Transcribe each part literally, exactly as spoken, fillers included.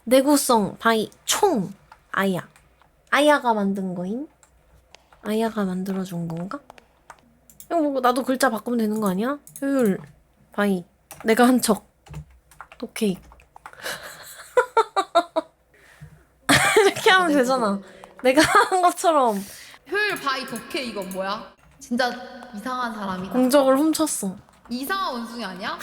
내구성 바이 총 아야. 아야가 만든 거임? 아야가 만들어준 건가? 이거 뭐 나도 글자 바꾸면 되는 거 아니야? 효율 바이. 내가 한 척. 오케이. 이렇게 하면 되잖아. 내가 한 것처럼 효율 바이 독해 이건 뭐야? 진짜 이상한 사람이다. 공적을 훔쳤어. 이상한 원숭이 아니야?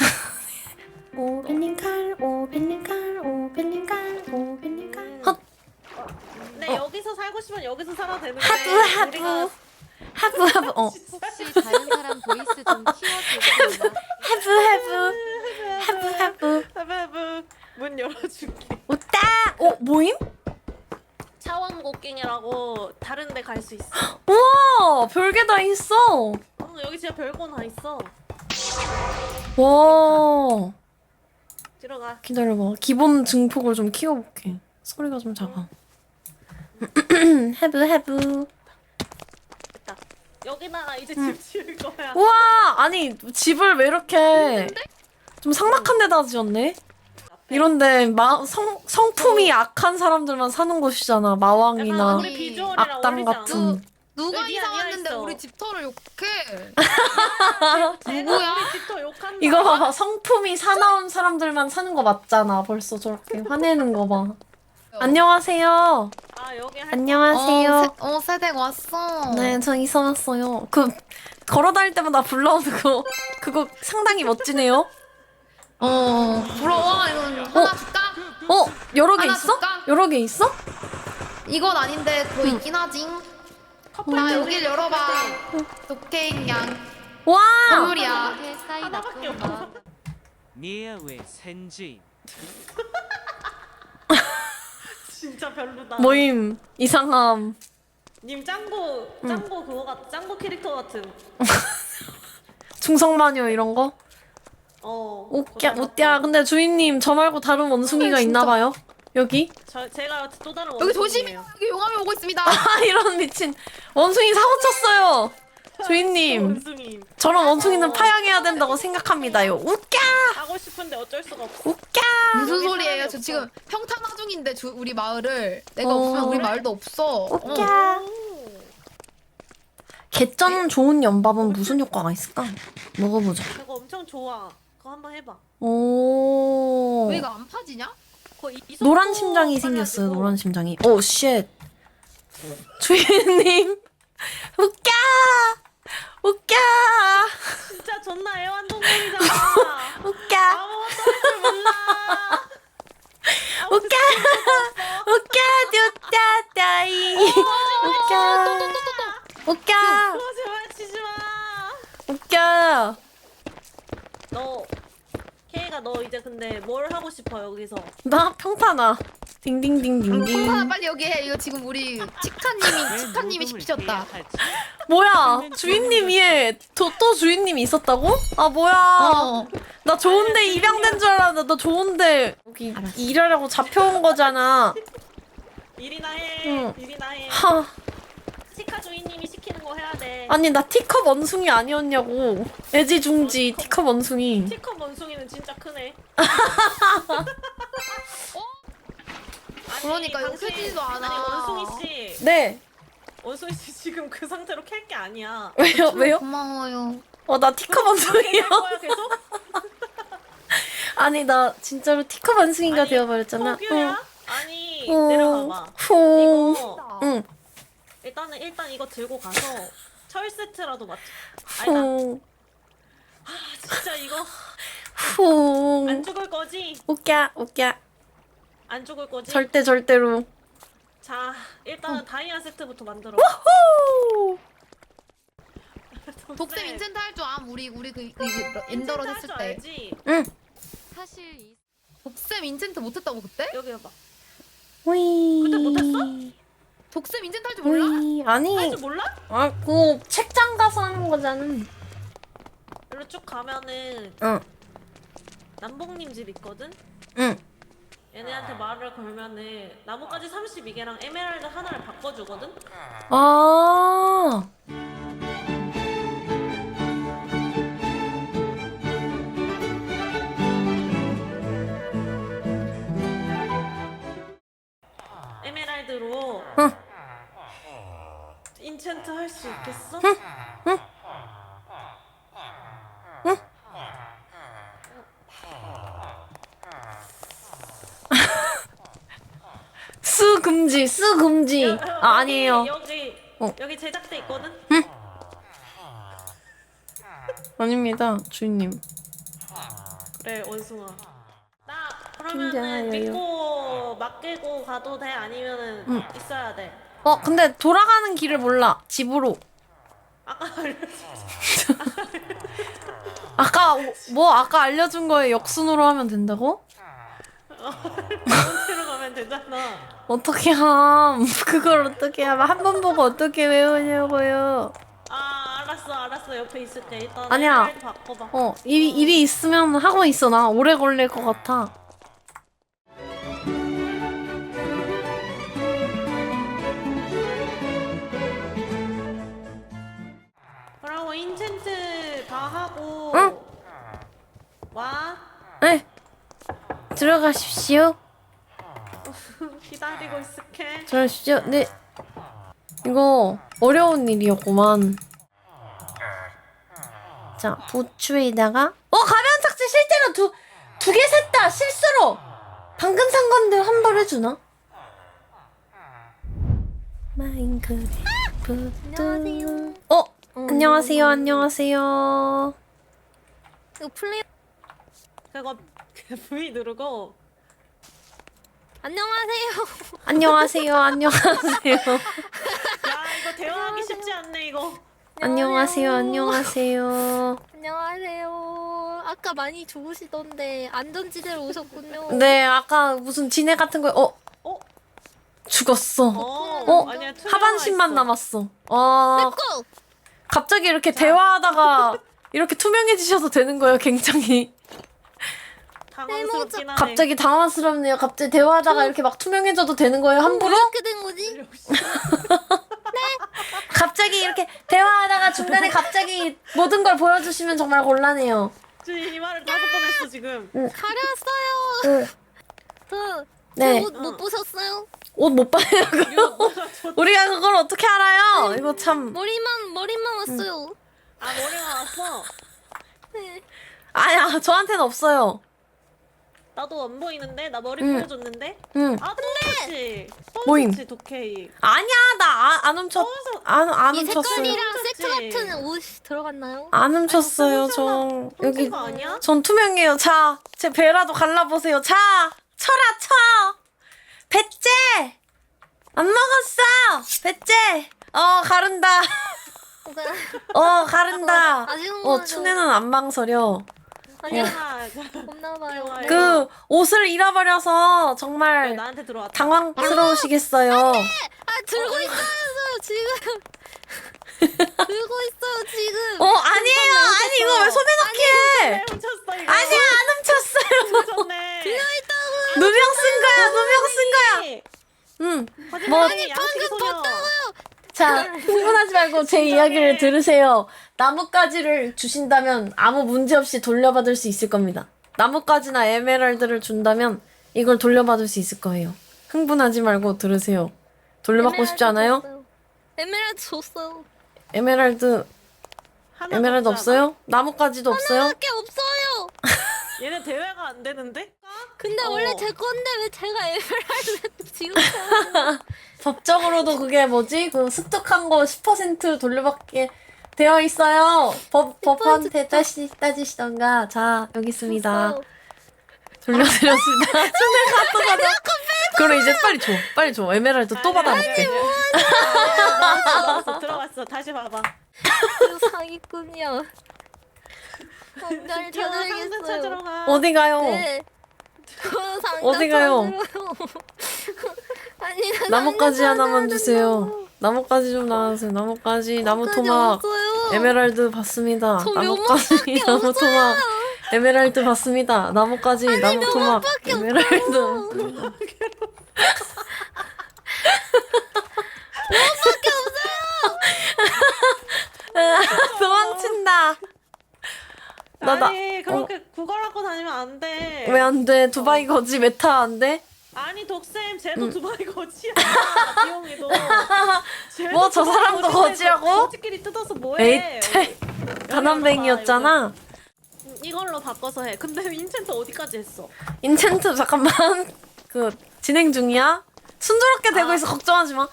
오벨링칼 오벨링칼 오벨링칼 오벨링칼 헛! 네, 여기서 살고 싶으면 여기서 살아도 되는데 하부 하부 우리가 하부 하부 어 혹시 다른 사람 보이스 좀 키워주세요. 하부 하부 하부 하부 하부하부 문 열어줄게. 오따! 어 모임? 차원 곡괭이라고 다른 데 갈 수 있어. 우와 별게 다 있어. 어, 여기 진짜 별거 다 있어. 와 들어가. 기다려봐. 기본 증폭을 좀 키워볼게. 소리가 좀 작아. 해브 해브. 됐다. 여기다가 이제 집 지을 거야. 우와 아니 집을 왜 이렇게 좀 삭막한 데다 지었네? 이런데 마, 성, 성품이 악한 사람들만 사는 곳이잖아. 약간 마왕이나 우리 비주얼이랑 악당 어울리지 않아? 같은. 누가 여기 이사 아니야 왔는데 있어. 우리 집터를 욕해? 쟤가 누구야? 우리 집터 욕한다. 이거 봐봐. 성품이 사나운 사람들만 사는 거 맞잖아. 벌써 저렇게 화내는 거 봐. 안녕하세요. 아 여기 할 안녕하세요. 어, 세, 어 세댁 왔어. 네, 저 이사 왔어요. 그 걸어다닐 때마다 불러오는 거 그거 상당히 멋지네요. 어 부러워. 이건 하나 줄까? 어, 여러 개 하나 있어? 줄까? 여러 개 있어? 이건 아닌데 더 있긴 하지. 나 여길 열어봐. 독케인 양 와! 선물이야. 이게 사이 하나밖에 나쁜 없어. 거. 미야의 센지 진짜 별로다. 모임 이상함. 님 짱구 짱구 그거 같 짱구 캐릭터 같은. 중성마녀 이런 거? 어. 웃겨, 그거 웃겨. 같다. 근데 주인님 저 말고 다른 원숭이가 어, 있나 진짜. 봐요. 여기? 저 제가 또 다른 여기 조심해. 원숭이에요. 여기 용암이 오고 있습니다. 아, 이런 미친 원숭이 사고 쳤어요. 주인님, 원숭이 저런 원숭이는 파양해야 된다고 생각합니다요. 웃겨, 하고 싶은데 어쩔 수가 없어. 웃겨. 무슨 여기 소리예요? 사람이 저 없어. 지금 평탄화 중인데 주, 우리 마을을 내가 어. 없으면 우리 그래? 마을도 없어. 웃겨. 어. 오. 개쩐 좋은 연밥은 무슨 효과가 있을까? 먹어보자. 그거 엄청 좋아. 그거 한번 해봐. 오. 왜 이거 안 파지냐? 그거 이- 이소포 노란 심장이 생겼어요. 빨아가지고. 노란 심장이. 오 쉣. 주인님, 웃겨, 웃겨, 진짜 존나 애완동물이잖아. 웃겨, 아무것도 할 줄 몰라. 웃겨, 웃겨, 듀따따이. 웃겨, 웃겨, 그거 제발 치지 마. 웃겨. 너 케이가 너 이제 근데 뭘 하고 싶어 여기서? 나 평타나. 평탄화 딩딩딩딩딩. 빨리 여기 해. 이거 지금 우리 치카님이 치카님이 시키셨다. 뭐야? 주인님이 해. 또, 또 주인님이 있었다고? 아 뭐야? 어. 나 좋은데 입양된 줄 알았는데 너 좋은데 여기 일하려고 잡혀온 거잖아. 일이나 해. 응. 일이나 해. 하. 치카 주인님이 시키는 거 해야 돼. 아니 나 티컵 원숭이 아니었냐고. 애지중지 티컵 원숭이. 티컵 원숭이는 진짜 크네. 아니, 그러니까 이거 당신- 크지도 않아. 아니 원숭이 씨, 네. 원숭이 씨 지금 그 상태로 캘 게 아니야. 왜요? 왜요? 고마워요. 어 나 티컵 원숭이요? 캘 거야 계속? 아니 나 진짜로 티컵 원숭이가 아니, 되어버렸잖아. 포규야? 아니 응. 내려가봐. 후. 이거 응. 일단은 일단 이거 들고 가서 철 세트라도 맞춰. 아니다. 후. 아 진짜 이거 후. 안 죽을 거지? 웃겨 웃겨. 안 죽을 거지? 절대 절대로. 자 일단은 다이아 세트부터 만들어. 후. 독쌤 인챈트 할 줄 암. 우리 우리 그, 그, 그 엔더로 인챈트 했을 할줄 때. 알지? 응. 사실 이 독쌤 인챈트 못했다고 그때? 여기 봐봐. 위. 그때 못했어? 독쌤 인챈트 할 줄 몰라? 위. 아니. 할 줄 몰라? 아, 그 책장 가서 하는 거잖아. 여기로 쭉 가면은 응. 남봉님 집 있거든? 응. 얘네한테 말을 걸면은 나뭇가지 삼십두 개랑 에메랄드 하나를 바꿔주거든? 아. 에메랄드로 응. 인챈트 할 수 있겠어? 쓰 금지, 쓰 금지. 여- 여- 아, 여기, 아니에요. 여기 어. 여기 제작대 있거든? 아닙니다, 주인님. 그래 원숭아. 나 진짜요? 그러면은 믿고 맡기고 가도 돼? 아니면은 응. 있어야 돼? 어, 근데 돌아가는 길을 몰라. 집으로. 아까 알려줬 아까 뭐 아까 알려준 거에 역순으로 하면 된다고? 원대로 가면 되잖아. 어떻게 함? 그걸 어떻게 함? 한 번 보고 어떻게 외우냐고요? 아 알았어 알았어 옆에 있을게. 일단 아니야. 에메랄드 바꿔봐. 어, 일이, 일이 있으면 하고 있어. 나 오래 걸릴 것 같아. 그러고 인챈트 다 하고 응? 와. 네. 들어가십시오. 기다리고 있을게. 들어가십시오. 네. 이거 어려운 일이었구만. 자, 부추에다가 어, 가면 삭제 실제로 두 두 개 샜다. 실수로. 방금 산 건데 환불해주나? 마인크래프트. 안녕하세요. 어, 안녕하세요. 안녕하세요. 이거 플레이 그거 V 누르고 안녕하세요. 안녕하세요. 안녕하세요. 야 이거 대화하기 쉽지 않네 이거. 안녕하세요. 안녕하세요. 안녕하세요. 아까 많이 좋으시던데 안전지대로 오셨군요. 네, 아까 무슨 진해 같은 거, 어, 어? 죽었어. 어? 어? 아니야 투명화 하반신만 있어. 남았어. 아, 고! 갑자기 이렇게 대화하다가 이렇게 투명해지셔도 되는 거예요, 굉장히. 당황스럽긴 하네. 갑자기 당황스럽네요. 갑자기 대화하다가 이렇게 막 투명해져도 되는 거예요, 함부로? 어떻게 된 거지? 갑자기 이렇게 대화하다가 중간에 갑자기 모든 걸 보여주시면 정말 곤란해요. 지금 이 말을 다섯 번 했어 지금. 가렸어요. 응. 그, 네. 옷 못 보셨어요? 옷 못 봐요, 그거. 우리가 그걸 어떻게 알아요? 이거 참. 머리만 머리만 왔어요. 아 머리가 왔어. 네. 아야, 저한테는 없어요. 나도 안 보이는데 나 머리 응. 보여줬는데. 응. 아 똑같이. 뭐임? 똑같이 독케이. 아니야, 나 안 훔쳤, 어디서- 안, 안 이 훔쳤어요. 색깔이랑 세트 훔쳤지. 같은 옷이 들어갔나요? 안 훔쳤어요, 저. 여기. 여기 거 아니야? 전 투명해요. 자, 제 배라도 갈라보세요. 자, 쳐라, 쳐! 배째! 안 먹었어! 배째! 어, 가른다. 어, 가른다. 아쉬운 어, 거죠. 춘애는 안 망설여. 아니야. 아, 없나봐요. 어. 그, 옷을 잃어버려서 왜 정말 나한테 들어왔다. 당황스러우시겠어요. 아 들고 있어요 지금. 들고 있어요 지금. 어, 아니에요. 아니, 이거 왜 손에 넣기 왜 해? 훔쳤어 이거? 아니야, 안 훔쳤어요. 훔쳤네. 누명 쓴 거야, 누명 쓴 거야. 응. 뭐, 아니 양치기 소녀. 자, 흥분하지 말고 제 이야기를 들으세요. 나뭇가지를 주신다면 아무 문제 없이 돌려받을 수 있을 겁니다. 나뭇가지나 에메랄드를 준다면 이걸 돌려받을 수 있을 거예요. 흥분하지 말고 들으세요. 돌려받고 싶지 않아요? 줬어요. 에메랄드 줬어요. 에메랄드, 하나 에메랄드 없잖아. 없어요? 나뭇가지도 없어요? 하나밖에 없어요. 얘네 대회가 안 되는데? 근데 어. 원래 제 건데 왜 제가 에메랄드 지금? 법적으로도 그게 뭐지? 그 습득한 거 십 퍼센트 돌려받게 되어 있어요. 법, 법한테 따시, 따지시던가. 자, 여기 있습니다. 돌려드렸습니다. 손을 갖고 가자. 그럼 이제 빨리 줘. 빨리 줘. 에메랄드 또 받아볼게. 나왔어 나왔어 들어갔어. 다시 봐봐. 그 사기꾼이야. 상자를 상자 찾아야겠어요. 찾으러 가. 어디 가요? 네. 그 상자 어디 가요? 찾으러요. 아니 나 나뭇가지 상자 하나만 찾아야 주세요. 된다고. 나뭇가지 좀 나와주세요. 나뭇가지, 나무 나뭇가지 토막, 없어요. 에메랄드 받습니다. 저 나뭇가지, 묘목밖에 나무 없어요. 토막, 에메랄드 받습니다. 나뭇가지, 나무 토막, 묘목밖에 에메랄드 없어요. 받습니다. 도망친다. 나, 나, 아니 그렇게 구걸하고 다니면 안 돼. 왜 안 돼? 두바이 거지 메타 안 돼? 아니 독쌤 쟤도 응. 두바이 거지야. 비용이도. 뭐 저 사람도 거지라고? 거지끼리 뜯어서 뭐해? 에이, 쟤 가난뱅이였잖아. 음, 이걸로 바꿔서 해. 근데 인챈트 어디까지 했어? 인챈트 잠깐만 그 진행 중이야. 순조롭게 되고 아. 있어. 걱정하지 마.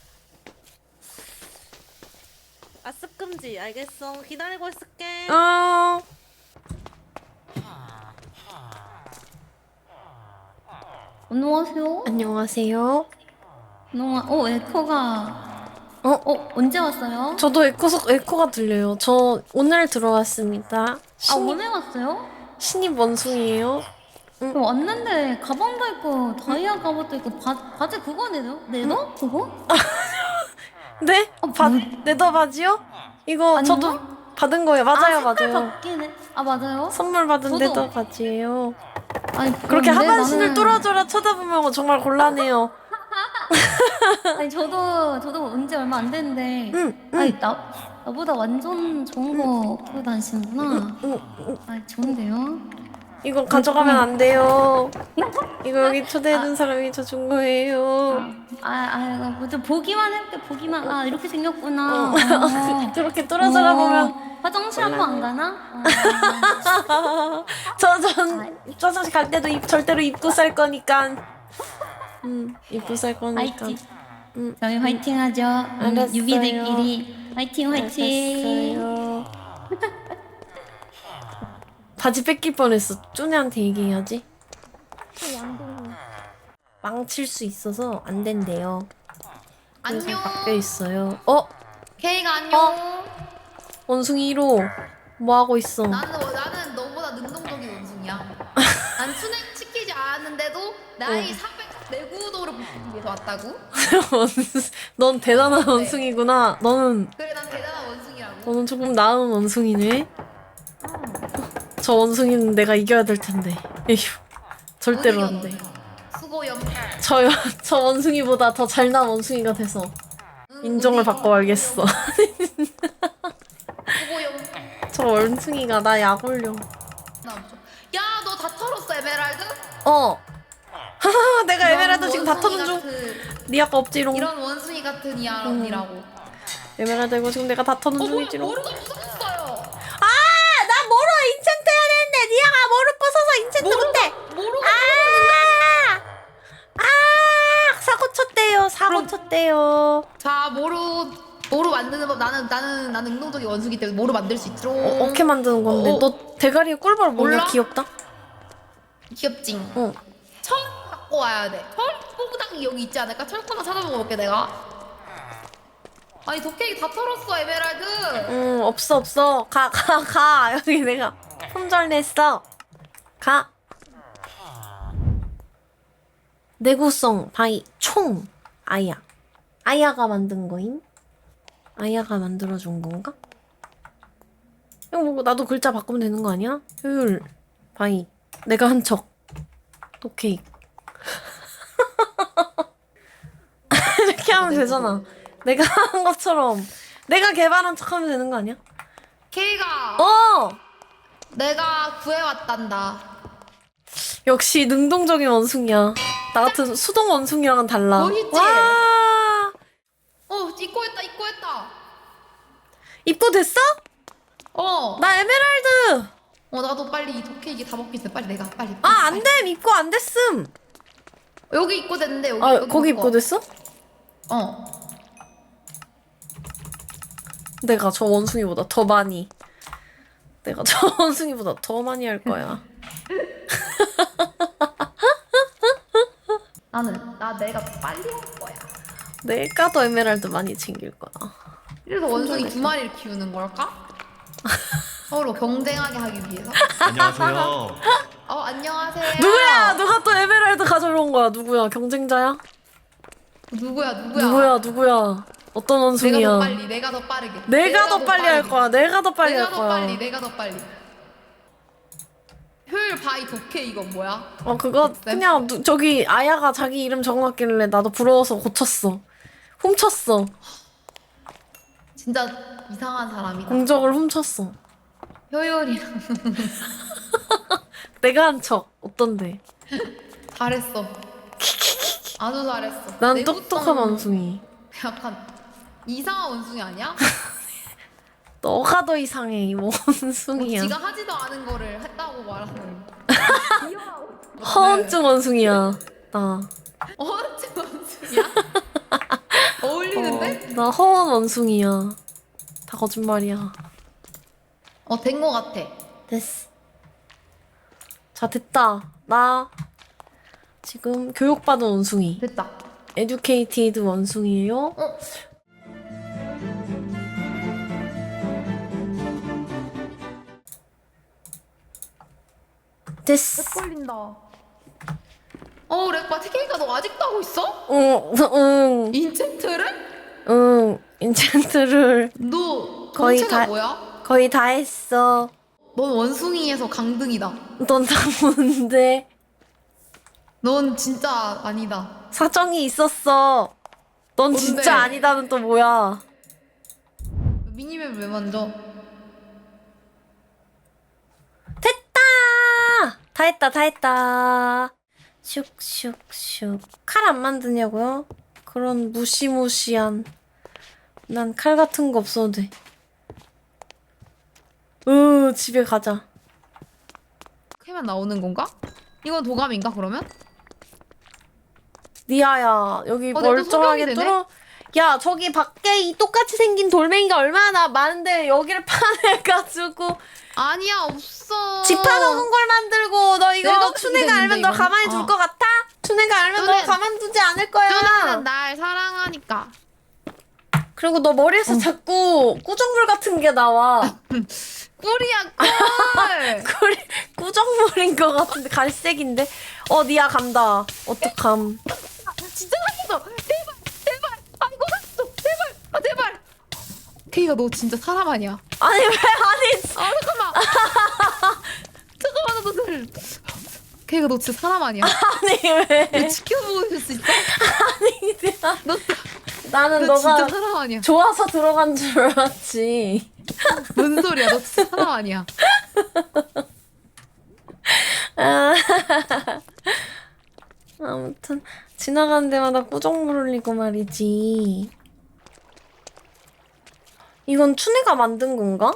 아 습금지 알겠어. 기다리고 있을게. 어. 안녕하세요. 안녕하세요. 안녕. 어 에코가. 어? 어 언제 왔어요? 저도 에코 속 에코가 들려요. 저 오늘 들어왔습니다. 아 신입, 오늘 왔어요? 신입 원숭이에요. 저 왔는데 가방도 있고 다이아 갑옷도 있고 바 바지 그거 내도 내도 그거? 네? 어, 바, 뭐- 네더 바지요? 이거 아닌가? 저도 받은 거예요. 맞아요, 아, 색깔 맞아요. 바뀌네. 아 맞아요? 선물 받은 저도- 네더 바지예요. 아니 그렇게 그런데 하반신을 나는- 뚫어줘라 쳐다보면 정말 곤란해요. 아니 저도 저도 언제 얼마 안 됐는데. 응, 응. 아니 나 나보다 완전 좋은 거 보고 다니시는구나. 응, 아 좋은데요? 이거 가져가면 안 돼요. 이거 여기 초대해준 사람이 저 준 거예요. 아, 아, 뭐좀 보기만 해볼게 보기만. 아 이렇게 생겼구나. 어. 그렇게 뚫어져라 보면 어, 화장실 한 번 안 가나? 어. 저전 화장실 갈 때도 입, 절대로 입고 살 거니까. 음, 입고 살 거니까. 화이팅. 음, 저희 화이팅 하죠. 음, 알았어요. 유비들끼리 화이팅 화이팅. 알았어요. 바지 뺏길 뻔했어. 쪼네한테 얘기해야지. 망칠 수 있어서 안 된대요. 그래서 안녕. 바뀌어 있어요. 어? 케이가 안녕. 원숭이 일 호 뭐 하고 있어? 나는 나는 너보다 능동적인 원숭이야. 난 순행 시키지 않았는데도 나의 사백 내구도를 보기 위해서 왔다고. 넌 대단한 원숭이구나. 너는 그래 난 대단한 원숭이라고. 너는 조금 나은 원숭이네. 저 원숭이는 내가 이겨야 될 텐데. 에휴, 절대로 안 돼. 수고 염. 저, 저 원숭이보다 더 잘난 원숭이가 돼서 인정을 받고 말겠어. 수고 염. 저 원숭이가 나 약 올려. 야너 다 털었어 에메랄드? 어. 하하, 내가 에메랄드 이런 지금 다 터는 원숭이 중. 같은- 니 아까 없지롱. 이런 원숭이 같은 이 언니라고. 에메랄드 이거 지금 내가 다 터는 어 뭐야 중이지롱. 모르가 부서졌어요. 아, 나 모로 인챈트 해야 되는데 니아가 모로 부숴서 인챈트 못해. 모르가 아, 아, 사고 쳤대요. 사고 쳤대요. 자 모루 모루 만드는 법 나는 나는 나는 능동적인 원숭이 때문에 모루 만들 수 있도록. 어, 어떻게 만드는 건데? 어. 너 대가리에 꿀벌 뭐냐? 몰라? 귀엽다. 귀엽지. 응. 철 갖고 와야 돼. 철 뽕당이 여기 있지 않을까? 철코나 찾아보고 올게 내가. 아니 도깨비 다 털었어 에메랄드. 응, 없어 없어. 가, 가, 가. 여기 내가 품절 냈어. 가. 내구성 바이 총 아야. 아야가 만든 거임? 아야가 만들어준 건가? 이거 뭐 나도 글자 바꾸면 되는 거 아니야? 효율 바이. 내가 한 척. 오케이. 이렇게 하면 되잖아. 내가 한 것처럼 내가 개발한 척 하면 되는 거 아니야? 케이가 어! 내가 구해왔단다. 역시 능동적인 원숭이야. 나 같은 수동 원숭이랑은 달라. 멋있지? 와! 어 입고했다 입고했다. 입고됐어? 어. 나 에메랄드! 어 나도 빨리 이 도깨비 다 먹기 전에 빨리 내가 빨리. 아, 안 됨! 입고 안 됐음! 여기 입고됐는데 여기. 아, 여기 거기 바꿔. 입고됐어? 어. 내가 저 원숭이보다 더 많이. 내가 저 원숭이보다 더 많이 할 거야. 나는 나 내가 더 빨리 할 거야. 내가 더 에메랄드 많이 챙길 거야. 그래서 원숭이 두 마리를 키우는 걸까? 서로 경쟁하게 하기 위해서. 안녕하세요. 어 안녕하세요. 누구야? 누가 또 에메랄드 가져온 거야? 누구야? 경쟁자야? 누구야 누구야? 누구야? 누구야? 어떤 원숭이야? 내가 더 빨리 내가 더 빠르게. 내가 더 빨리 할 거야. 내가 더 빨리 내가 할 더 거야. 빨리 내가 더 빨리. 효율 바이 독해 이거 뭐야? 어 그거 그냥 누, 저기 아야가 자기 이름 적어놨길래 나도 부러워서 고쳤어. 훔쳤어. 진짜 이상한 사람이다. 공적을 훔쳤어. 효율이랑 내가 한 척 어떤데? 잘했어. 아주 잘했어. 난 내구성 똑똑한 원숭이. 약간 이상한 원숭이 아니야? 너가 더 이상해 이 뭐 원숭이야. 지가 하지도 않은 거를 했다고 말하는. 허언증 원숭이야. 나. 어째 원숭이야? 어울리는데? 어, 나 허언 원숭이야. 다 거짓말이야. 어, 된 거 같아. 됐어. 자 됐다. 나 지금 교육받은 원숭이. 됐다. 에듀케이티드 원숭이에요. 어? 됐어. 걸린다. 어, 렉바 테케이가 너 아직도 하고 있어? 응, 응, 인챈트를? 응. 인챈트를 너 거의 정체가 다- 뭐야? 거의 다 했어. 넌 원숭이에서 강등이다. 넌 다 뭔데? 넌 진짜 아니다. 사정이 있었어. 넌 뭔데? 진짜 아니다는 또 뭐야? 미니맵 왜 만져? 됐다! 다 했다, 다 했다. 슉슉슉. 칼 안 만드냐고요? 그런 무시무시한. 난 칼 같은 거 없어도 돼. 으, 집에 가자. 캐만 나오는 건가? 이건 도감인가 그러면? 니아야, 여기 어, 내가 또 멀쩡하게 소경이 되네? 뚫어. 야, 저기 밖에 이 똑같이 생긴 돌멩이가 얼마나 많은데 여기를 파내가지고 아니야 없어. 집 파놓은 걸 만들고 너 이거 내가 춘혜가 그랬는데, 알면 너 이건. 가만히 둘 어. 것 같아? 춘혜가 알면 너 춘혜- 가만두지 않을 거야. 누나는 날 사랑하니까. 그리고 너 머리에서 자꾸 꾸정물 같은 게 나와. 꿀이야 꿀. 꿀, 꾸정물인 것 같은데 갈색인데. 어, 니아 간다. 어떡함. 진짜 났어. 제발 제발. 아 이거 났어. 제발. 아 제발. 케이가 너 진짜 사람 아니야. 아니 왜 아니? 아 잠깐만. 잠깐만 너들. 케이가 너 진짜 사람 아니야. 아니 왜? 너 지켜보고 있을 수 있어? 아니 니아. 너, 나는 너 너가 진짜 사람 아니야. 좋아서 들어간 줄 알았지. 뭔 소리야? 너 진짜 사람 아니야. 아, 아무튼 지나가는 데마다 꾸정물 흘리고 말이지. 이건 춘혜가 만든 건가?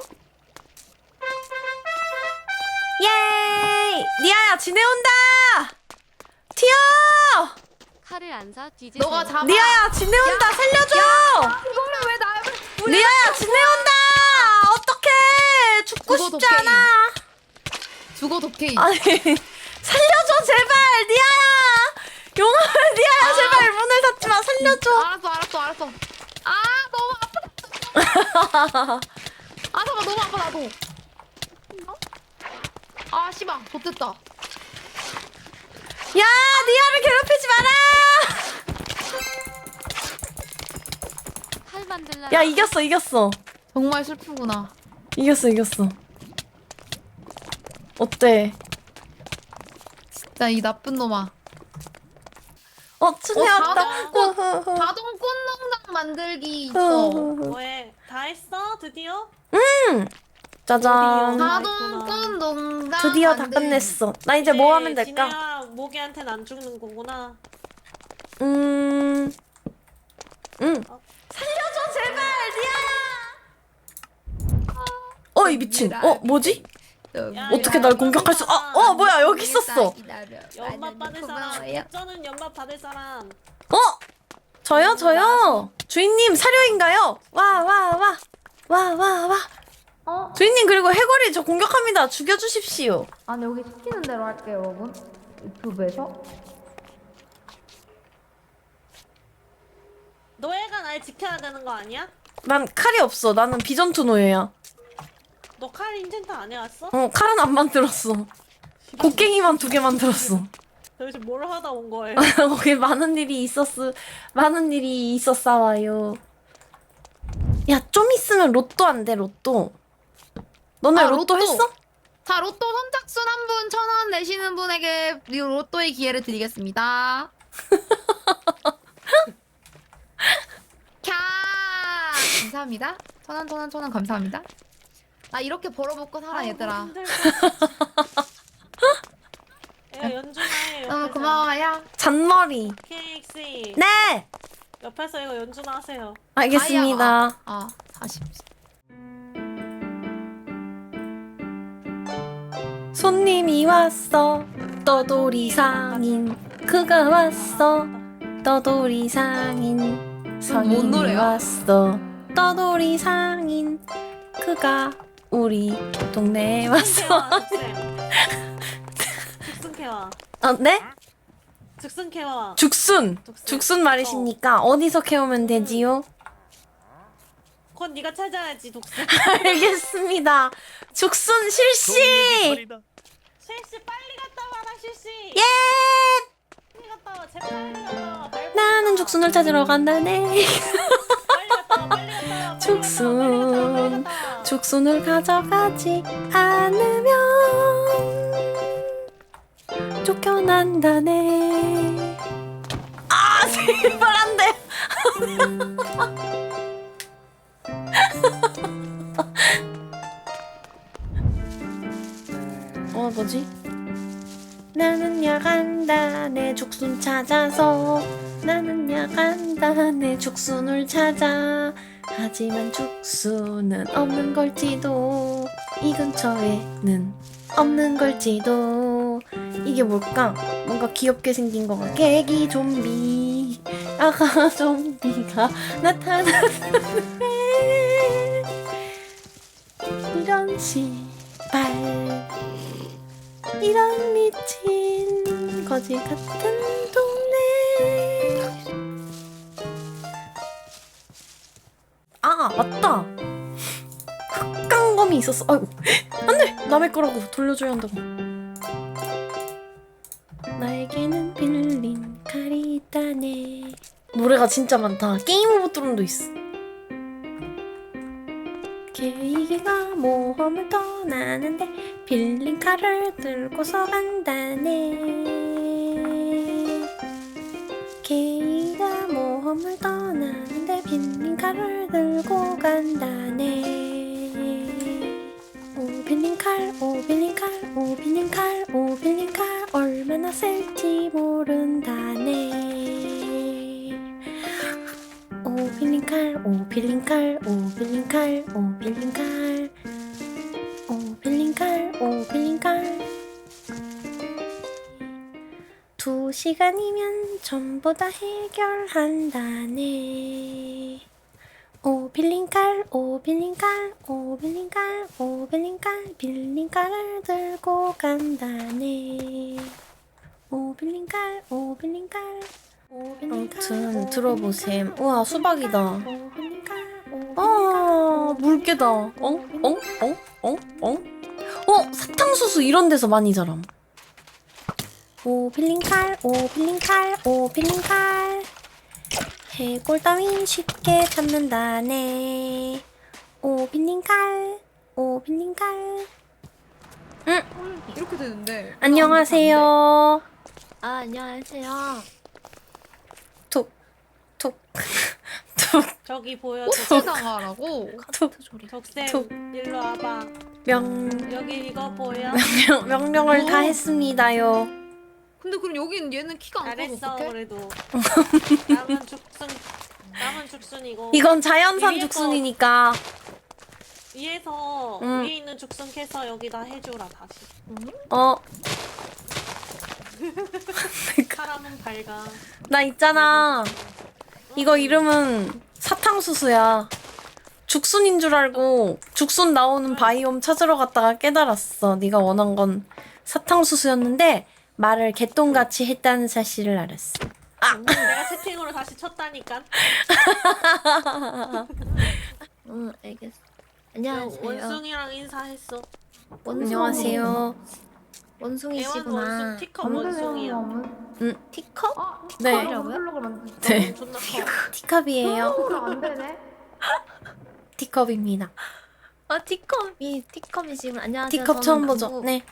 예이! 니아야 지내온다! 튀어! 칼을 안 사 뒤집어. 너가 잡아. 니아야 지내온다! 살려줘! 이거를 왜 나를? 니아야 지내온다! 어떡해! 죽고 죽어, 싶지 도깨비. 않아! 죽어 도케이. 아니 살려줘 제발 니아야! 용암을 니아야 아. 제발 문을 닫지 마 살려줘! 알았어 알았어 알았어. 아 너무 아프다. 아 잠깐 너무 아파 나도. 아 씨발 좋됐다. 야 니아를 괴롭히지 마라! 칼 만들라. 야 이겼어 이겼어 정말 슬프구나. 이겼어 이겼어 어때? 진짜 이 나쁜 놈아. 어 춘혜 어, 왔다 자동꽃. 흐흐흐. 자동 꽃농장 만들기 있어. 흐흐흐. 뭐해? 다 했어? 드디어? 짜잔 드디어. 자동 꽃농장. 드디어 다 만들기. 끝냈어 나 이제 뭐 하면 될까? 지네야 모기한테는 안 죽는 거구나. 음... 음 어? 살려줘 제발 니아야 어이 미친 어 뭐지? 야, 어떻게 야, 날 공격할 수... 아, 어 뭐야 여기 있었어 연막 받을 사람. 백전은 연막 받을 사람. 어? 저요 저요 주인님 사료인가요? 와 와 와 와 와 와 어? 주인님 그리고 해골이 저 공격합니다 죽여주십시오 아니 여기 시키는 대로 할게요 여러분. 유튜브에서. 노예가 날 지켜야 되는 거 아니야? 난 칼이 없어 나는 비전투 노예야 너 칼 인챈트 안 해왔어? 어 칼은 안 만들었어 곡괭이만 두 개 만들었어 도대체 뭘 하다 온 거예요? 거기 많은 일이 있었어 많은 일이 있었사와요 야 좀 있으면 로또 안 돼 로또 너네 아, 로또, 로또. 했어? 자 로또 선착순 한 분 천 원 내시는 분에게 이 로또의 기회를 드리겠습니다. 캬 감사합니다. 천 원 천 원 천 원 감사합니다. 나 이렇게 벌어먹고 살아 아이고, 얘들아. 힘들다. 야 연준아 해. 너무 고마워요. 잔머리. 케이씨 네! 옆에서 이거 연주나 하세요. 알겠습니다. 아, 사십. 손님이 왔어. 떠돌이 상인. 그가 왔어. 떠돌이 상인. 뭔 상인이 노래야? 왔어. 떠돌이 상인. 그가 우리 동네에 왔어. 죽순 캐와. 어, 네? 죽순 캐와. 죽순. 죽순. 죽순 말이십니까? 어디서 캐오면 되지요? 그건 네가 찾아야지 독순. 알겠습니다. 죽순 실시! 실시 빨리 갔다 와라 실시. 예! 빨리 갔다 와. 제발 빨리 갔다 와. 빨리 나는 죽순을 찾으러 간다네. 빨리 갔다 와. 빨리 갔다 와. 빨리 죽순. 갔다 와. 죽순을 가져가지 않으면 쫓겨난다네. 아, 제발 안 돼. 어, 뭐지? 나는 야간다 내 죽순 찾아서. 나는 야간다 내 죽순을 찾아. 하지만 죽순은 없는 걸지도. 이 근처에는 없는 걸지도. 이게 뭘까? 뭔가 귀엽게 생긴 거 같아. 개기 좀비. 아가 좀비가 나타났네. 이런 시발. 이런 미친 거지 같은 동네. 아, 맞다. 흑강검이 있었어. 아이고, 안돼. 남의 거라고 돌려줘야 한다고. 나에게는 빌린 칼이 있다네. 노래가 진짜 많다. 게임 오브 트론도 있어. 케이크가 모험을 떠나는데 빌린 칼을 들고서 간다네. 케이크가 모험을 떠나는데 빌린 칼을 들고 간다네. 오 빌린 칼, 오 빌린 칼, 오 빌린 칼, 오 빌린 칼 얼마나 쓸지 모른다네. 오 빌린 칼, 오 빌린 칼, 오 빌린 칼, 오 빌린 칼, 오 빌린 칼, 오 빌린 칼. 두 시간이면 전부 다 해결한다네. 오 빌린 칼, 오 빌린 칼, 오 빌린 칼, 오 빌린 칼, 빌린 칼을 들고 간다네. 오 빌린 칼, 오 빌린 칼. 아무튼 들어보셈. 우와, 수박이다. 아, 물개다. 엉? 엉? 엉? 엉? 엉? 어? 사탕수수 이런 데서 많이 자람. 오 빌린 칼, 오 빌린 칼, 오 빌린 칼. 해골 따윈 쉽게 잡는다네. 오 빌린 칼, 오 빌린 칼. 응? 이렇게 되는데. 안녕하세요. 아, 안녕하세요. 톡, 톡, 톡, 저기 보여. 꽃을 당하라고. 톡. 덕쌤 톡. 일로 와봐. 명, 여기 이거 보여. 명, 명령을 다 어. 했습니다요. 근데 그럼 여긴 얘는 키가 안 커서 잘했어 어떡해? 그래도. 남은 죽순. 남은 죽순이고. 이건 자연산 위에 거- 죽순이니까. 위에서 응. 위에 있는 죽순 캐서 여기다 해줘라 다시. 어, 사람은 밝아. 나 있잖아. 이거 이름은 사탕수수야. 죽순인 줄 알고 죽순 나오는 바이옴 찾으러 갔다가 깨달았어. 네가 원한 건 사탕수수였는데 말을 개똥같이 했다는 사실을 알았어. 내가 채팅으로 다시 쳤다니까. 응, 알겠어. 안녕하세요. 원숭이랑 인사했어. 안녕하세요. 애완 원숭이시구나. 원숭 티컵 원숭이야. 음, 티컵? 네. 티컵이라고요? 네. 존나 커. 티컵이에요. 티컵입니다. 아, 티컵이 티컵이시구나. 안녕하세요. 티컵 처음 저는 보죠. 남부, 네.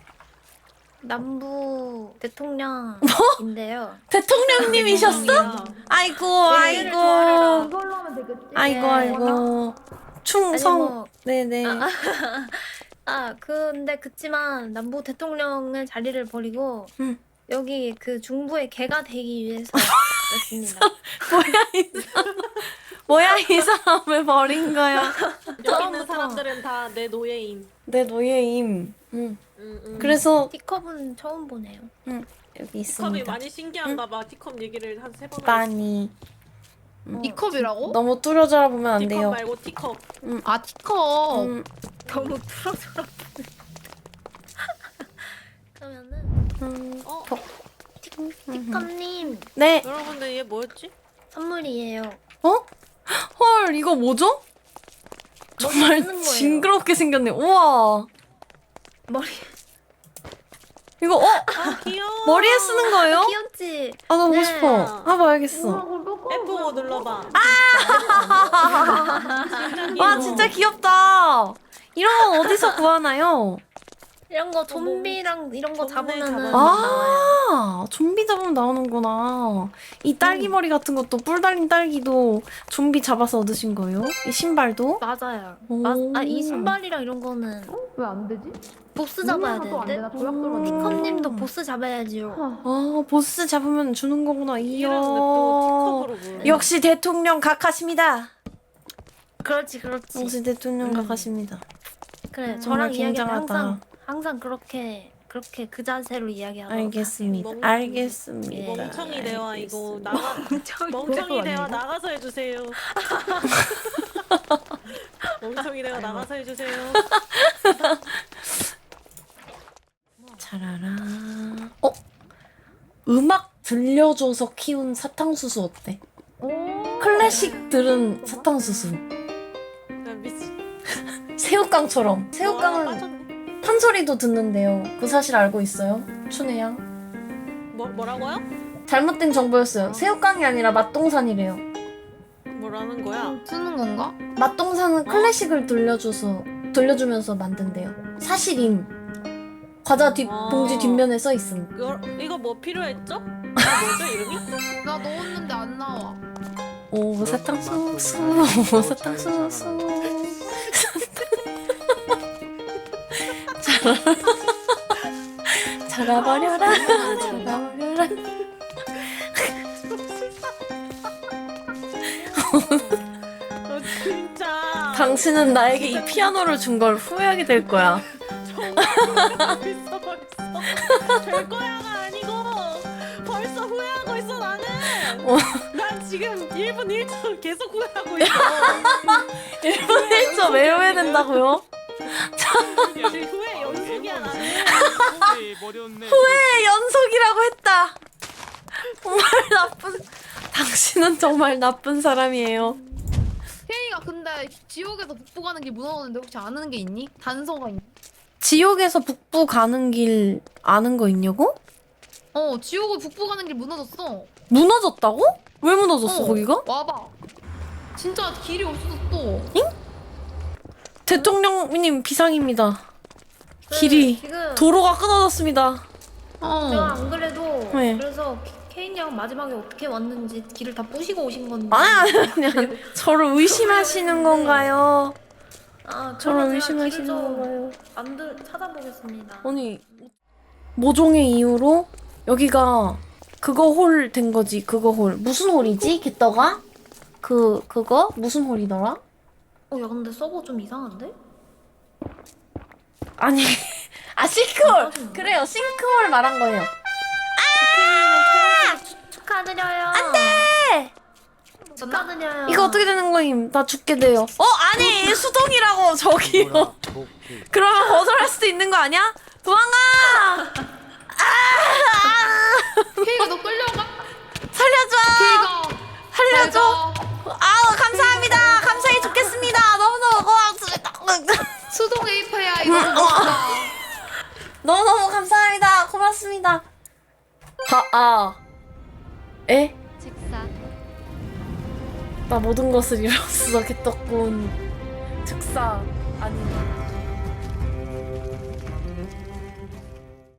남부 대통령인데요. 대통령님이셨어? 원숭이야. 아이고, 얘를 아이고. 이걸로 하면 되겠지? 아이고, 네. 아이고. 충성. 아니, 뭐, 네네. 아, 근데 그치만 남부 대통령의 자리를 버리고 음. 여기 그 중부의 개가 되기 위해서 왔습니다. 뭐야 이 사람? 뭐야 이 사람을 버린 거야? 여기 있는 사람들은 다 내 노예임. 내 노예임. 응. 응, 응. 그래서 티컵은 처음 보네요. 응 여기 티컵이 있습니다. 많이 신기한가 봐. 티컵 얘기를 한 세 번. 많이 이 컵이라고? 너무 뚫어져라 보면 안 티컵 돼요. 말고 티컵. 아 티컵. 음, 너무 틀어져라. 그러면은 음, 어? 버- 티컵님 네. 여러분들 얘 뭐였지? 선물이에요. 어? 헐 이거 뭐죠? 정말 쓰는 거예요. 징그럽게 생겼네. 우와. 머리 이거 어? 아 귀여워. 머리에 쓰는 거예요? 귀엽지? 아 나 보고 네. 싶어. 아 봐야겠어. 에프 오 눌러봐. 와 진짜 귀엽다. 이런 건 어디서 구하나요? 이런 거 좀비랑 이런 거 좀비 잡으면은 잡아서. 나와요. 아 좀비 잡으면 나오는구나. 이 딸기 머리 같은 것도 뿔 달린 딸기도 좀비 잡아서 얻으신 거예요? 이 신발도? 맞아요. 오. 아 이 신발이랑 이런 거는 왜 안 되지? 보스 잡아야 되는데. 티컵님도 보스 잡아야지요. 아 보스 잡으면 주는 거구나. 이야. 이름 또 티컵으로 부르네. 역시 대통령 각하십니다. 그렇지 그렇지. 역시 대통령 각하십니다. 그래 정말 저랑 이야기하면 굉장하다. 항상 항상 그렇게 그렇게 그 자세로 이야기하도록 알겠습니다. 멍- 알겠습니다. 멍청이 대화 이거 알겠습니다. 나가 멍청이 대화 나가서 해주세요. 멍청이 대화 나가서 해주세요. 차라라. 어? 음악 들려줘서 키운 사탕수수 어때? 클래식 들은 사탕수수. 나 미치. 새우깡처럼. 아, 새우깡은 빠졌네. 판소리도 듣는데요. 그 사실 알고 있어요? 춘혜양? 뭐 뭐라고요? 잘못된 정보였어요. 새우깡이 아니라 맛동산이래요. 뭐라는 거야? 쓰는 건가? 맛동산은 클래식을 들려줘서 들려주면서 만든대요. 사실임. 과자 뒷 아. 봉지 뒷면에 써 있음. 이거, 이거 뭐 필요했죠? 아, 뭐죠 이름이? 나 넣었는데 안 나와. 오 사탕수수. 오 사탕수수. 자라버려라. 자라버려라. 어, 진짜. 당신은 나에게 이 피아노를 준 걸 후회하게 될 거야. 정말 있어 벌써. 될 거야가 아니고 벌써 후회하고 있어 나는. 어. 난 지금 일 분 일 초 계속 후회하고 있어. 일 분 일 초 왜 후회된다고요? 지금 후회 연속이야 나는. 후회 연속이라고 했다. 정말 나쁜. 당신은 정말 나쁜 사람이에요. 케이가 근데 지옥에서 북부 가는 길 무너졌는데 혹시 아는 게 있니? 단서가 있니? 지옥에서 북부 가는 길 아는 거 있냐고? 어 지옥을 북부 가는 길 무너졌어. 무너졌다고? 왜 무너졌어 어, 거기가? 와봐. 진짜 길이 없어졌어. 대통령님 비상입니다. 길이 지금 도로가 끊어졌습니다. 어. 제가 안 그래도 네. 그래서 케인 양 마지막에 어떻게 왔는지 길을 다 부시고 오신 건데. 아 그냥 저를 의심하시는 건가요? 아, 저를 그러면 제가 의심하시는 길을 좀 건가요? 만들 찾아보겠습니다. 아니 모종의 이유로 여기가 그거 홀 된 거지. 그거 홀 무슨 홀이지? 개떡아? 그 그거 무슨 홀이더라? 어, 야 근데 서버 좀 이상한데? 아니 아 싱크홀 그래요 싱크홀 말한 거예요. 아! 축하드려요. 안돼 축하드려요. 이거 어떻게 되는 거임? 나 죽게 돼요. 어 아니 수동이라고 저기요. 그러면 거절할 수도 있는 거 아니야? 도망가! 케이가 너 끌려가? 살려줘! 케이가 살려줘! 가. 아우 감사합니다. 감사해 죽겠습니다. 너무너무 고맙습니다. 수동 에이파야 이거 먹었다. 너무너무 감사합니다. 고맙습니다. 하, 아. 에? 즉사 나 모든 것을 잃었어. 개떡군. 즉사. 아니.